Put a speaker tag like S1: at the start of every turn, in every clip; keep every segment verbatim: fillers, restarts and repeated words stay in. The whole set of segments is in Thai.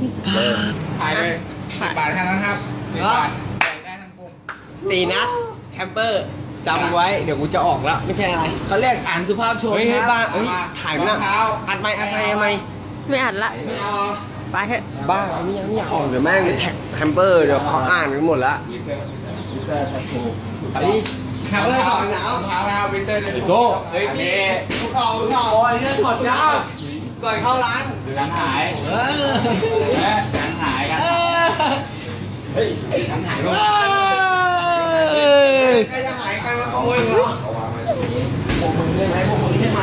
S1: ถ่ายเลยสิบบาทแค่นั้นครับสิบบาทได้ทั้งกลุ่ม
S2: ตีนัดแคมเปอร์จำไว้เดี๋ยวกูจะออกแล้วไม่ใช่อะไรเขาเรียกอ่านสุภาพชนเฮ้ยบ้าเฮ้ยถ่ายนะอัดไหมอัดไหมอัดไหม
S3: ไม่อัดละไปเถอะ
S2: บ้าไม่ยังไม่อยากออกเดี๋ยวแม่งแท็กแคมเปอร์เดี๋ยวเขาอ่านกันหมดแล้วไอ้แคมเปอร์ต่อหนาว
S1: เท้าแล้ววินเตอร์จะโก้
S2: เฮ้ยนี่ทุกเขาทุกเขาโอ้ยเรื่องถอดเจ้าก่อนเข้าร้าน
S1: หนังหายเออหนังหายกันเฮ้ยหนังหาย
S2: เฮ้ยใครจะหายใครมาขโมยเหรอพวกมึงใช่ไหมพวกมึงใช่ไหม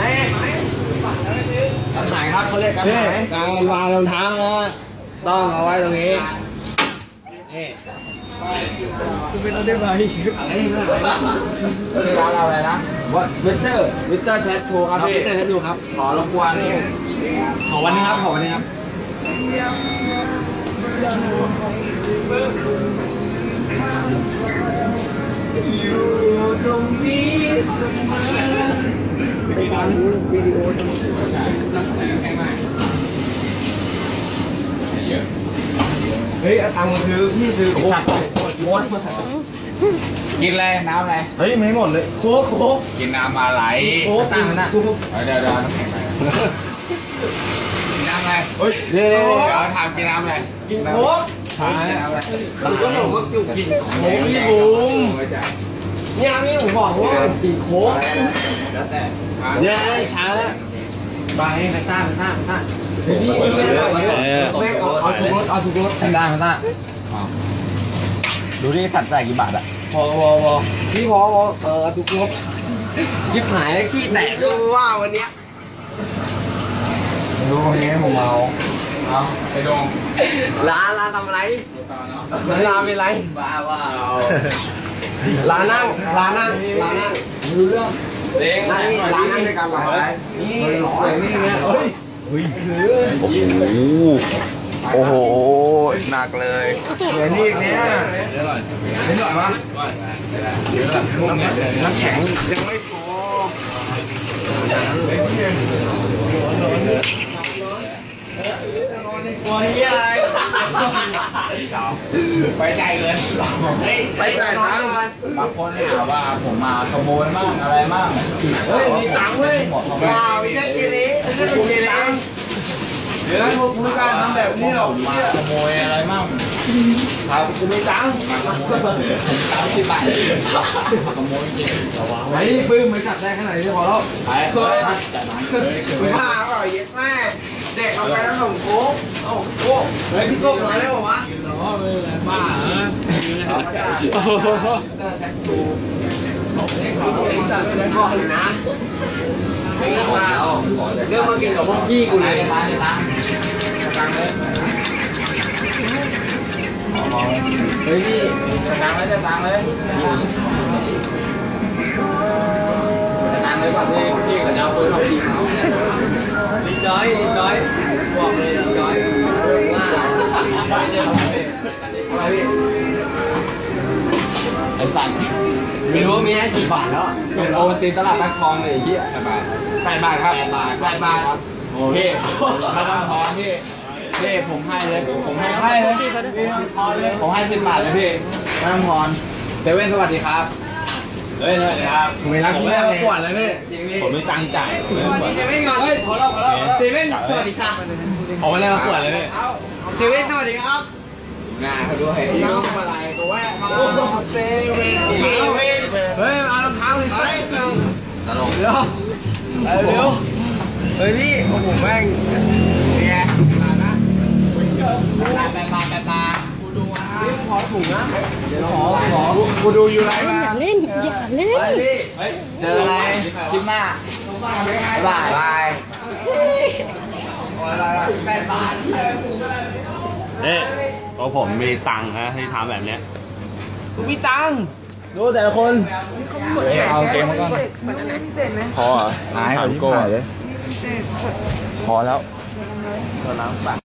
S2: กันหายครับเขาเรียกกันหายการวางรองเท้านะต้องเอาไว้ตรงนี้นี่คุณเป็นอะไรไหมอะไรนะ
S1: ร้านเราอะไรนะ
S2: ว่าวิเตอร์วิเตอร์แททูครับวิเตอร์แททูครับขอรบกวนขอวันนี้ครับขอวันนี้ครับอยู่ตรงนี้เสมอไปฟังวิดีโอตรงนี้
S1: เยอะ
S2: เฮ้ยตังค์คือพี่คือโค้กหมด
S1: กินอะไรน้ำอะไร
S2: เฮ้ยไม่หมดเลยโค้กโค้ก
S1: กินน้ำอะไร
S2: โค้กตั้งนะ
S1: เดี๋ยวเดี๋ยวน้ำแข็งไปกินน้ำอะไร
S2: เฮ้ยเดี๋
S1: ยวถามกินน้ำอะไร
S2: กินโค้ก
S1: ใช่น้ำอะไร
S2: ผมก็บอกว่าอยู่กินโค้กพี่บุ้มเนี่ยนี่ผมบอกว่ากินโค้ก
S1: แล้วแต่
S2: เนี่ยช้าแล้วไปไปต้าไปต้าไปต้าพี่ไม่ได้ไม่เอาเอาถูกรถเอาถูกรถไปต้าไปต้าดูนี่สัตว์จ่ายกี่บาทอะพอพอพอพี่พอพอเออถูกรถจิบหายแล้วขี้แตกดูว่าวันเนี้ย
S1: ดูวันนี้ผมเอาเอาไปดง
S2: ร้านร้านทำอะไรร้านเป็นไรบ้าว่าร้านนั่งร้านนั่งร้านนั่งดูเรื่องเด้งร้านร้านนั่งในการหลอกนี่หลอกนี่เงี้ยเฮ้ยเฮ้ยโอ้โหหนักเลยเดี๋ยวนี่เนี้ยเดี๋ยวหน่อยเดี๋ยวหน่อยวะน้ำแข็งยังไม่พอตัวนี้อะไร
S1: ไปใจเลย
S2: ไปจ่ายตังค์
S1: บางคนถามว่าผมมาขโมยมั่งอะไรมั่ง
S2: เฮ้ยมีตังค์เว้ยว้าวไอ้เจ้าจีนี้ไอ้เจ้าจีนี้เดี๋ยวพวกคุณการทำแบบนี้หรอก
S1: มาขโมยอะไรมั่ง
S2: ครับกูมีตังค์
S1: สามสิบบาทขโมยจริง
S2: ไอ้ปื้มมันจับได้ขนาดนี้พอแล้ว
S1: ไปจัดมันเลย
S2: คุณพาก็เย็ดแม่เด็กเอาไปแล้วส่งโค้กโอ้โหเฮ้ยพี่โก้มาได้ป่าววะ
S1: อ๋อเลยบ้าเหรอ
S2: โอ้โหก่อนนะเรื่องมาเรื่องมากินกับพวกพี่กูเลย
S1: ตังค์ตังค์ตังค์เลย
S2: เฮ้ยพี่
S1: ตังค์เลยจะตังค์เลยตังค์เลยก่อนที่พี่เขาจะเอาปืนออกยิงเขา
S2: ดีใจดีใจบอกเลยดีใจ
S1: อะไรพี่ไอ้สัตว์
S2: ไม่รู้มีให้กี่บาทแล้ว
S1: โอวันตีตลาดนักคลองเลยที่แปดบาทแปดบาทครับแปดบาทแปดบาทโอ้พี่ไม่ต้องทอนพี่พี่ผมให้เลยผมให้ให้เลยผมให้สิบบาทเลยพี่ไม่ต้องทอนเซเว่นสวัสดีครับ
S2: เฮ้ยสวัสดีครับ
S1: ผมไม่รักผมไม่มาปวดเลยพี่
S2: ผมไม่ตังจ่ายเซเว่นก่อนเฮ้ยขอเล่าขอเล่าเซเว่นสวัสดีครับ
S1: ผมไม่ได้มาปวดเลยพี่
S2: เซเว่นสวัสดีครับ
S1: หน้าเขาด้วยน้ำอะไรตัวแวะมาเซเว่นเซเว่น
S2: เฮ้ยเอารองเท้าเลยไป
S1: ตลก
S2: เดี๋ยวเร็วเฮ้ยพี่โอ้โหแม่ง
S1: เนี่ยมานะตาตาตาตากูดูนะ
S2: ขอถูกนะ
S1: เดี๋ยวขอขอกูดูอยู่ไรมา
S3: อย่าเล่นอย่าเล่น
S1: เจออะไรคลิปหน้าบายบายแปดบาท
S4: เอ๊ะก็ผมมีตังค์นะให้ทำแบบเนี้ย
S2: ผมมีตังค์ดูแต่ละคน
S1: เอาเกมมาก่อน
S4: พอเหรอ
S1: หาย
S4: ถามโก้เลย
S1: พอแล้ว